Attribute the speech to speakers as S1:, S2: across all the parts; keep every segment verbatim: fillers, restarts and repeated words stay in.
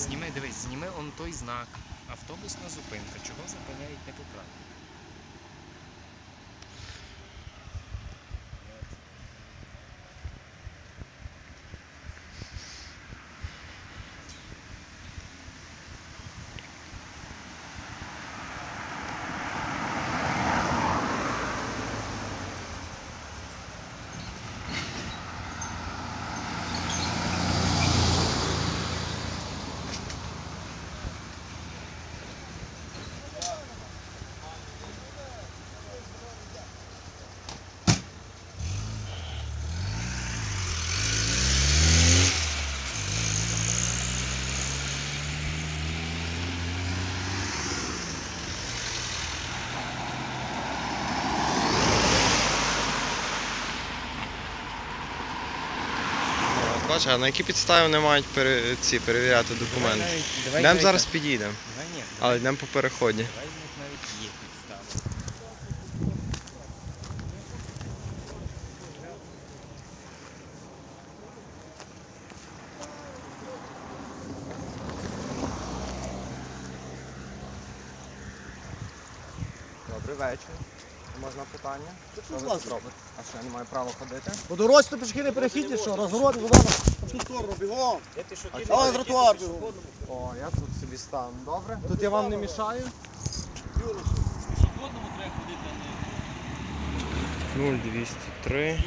S1: Зніми, дивись, зніми он той знак. Автобусна зупинка. Чого зупиняють непоправно?
S2: Бачиш, а на які підстави вони мають пере, ці, перевіряти документи? Йдемо зараз підійдемо,
S1: Давай ні.
S2: але йдемо по переході.
S1: Давай в них навіть є підстави.
S2: Добрий вечір. Можна питання? Що ви тут робите? А що, я не маю права ходити?
S3: По дорозі то пішки не перехідні, що? Розгород, вода на ту сторону, бігом. Давай тротуар бігом.
S2: О, я тут собі стану. Добре? Тут я вам не мішаю?
S4: Пішохідному треба ходити, а не...
S2: нуль двісті три.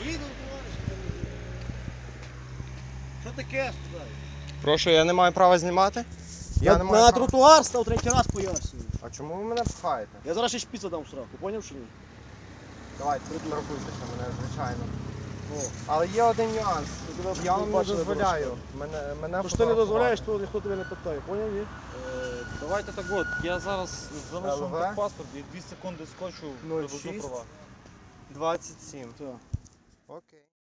S3: Що таке? Сказай?
S2: Прошу, я не маю права знімати? Я
S3: На,
S2: не маю
S3: на
S2: права.
S3: тротуар став третій раз пояснюю.
S2: А чому ви мене пхаєте?
S3: Я зараз ще шпіца дам в сраку, поняв чи ні?
S2: Давайте, торгуйтеся мене, звичайно.
S3: О.
S2: Але є один нюанс.
S3: Я тебе
S2: Я вам не
S3: бачили,
S2: дозволяю. Мене, мене
S3: То що ти не дозволяєш,
S2: фотографувати.
S3: то ніхто тебе не питає, поняв ні?
S4: Е, Давайте так от, я зараз залишу
S2: ЛВ?
S4: вам паспорт і дві секунди скочу,
S2: нуль
S4: привезу
S2: шість.
S4: права.
S2: двадцять сім.
S3: Так.
S2: Окей.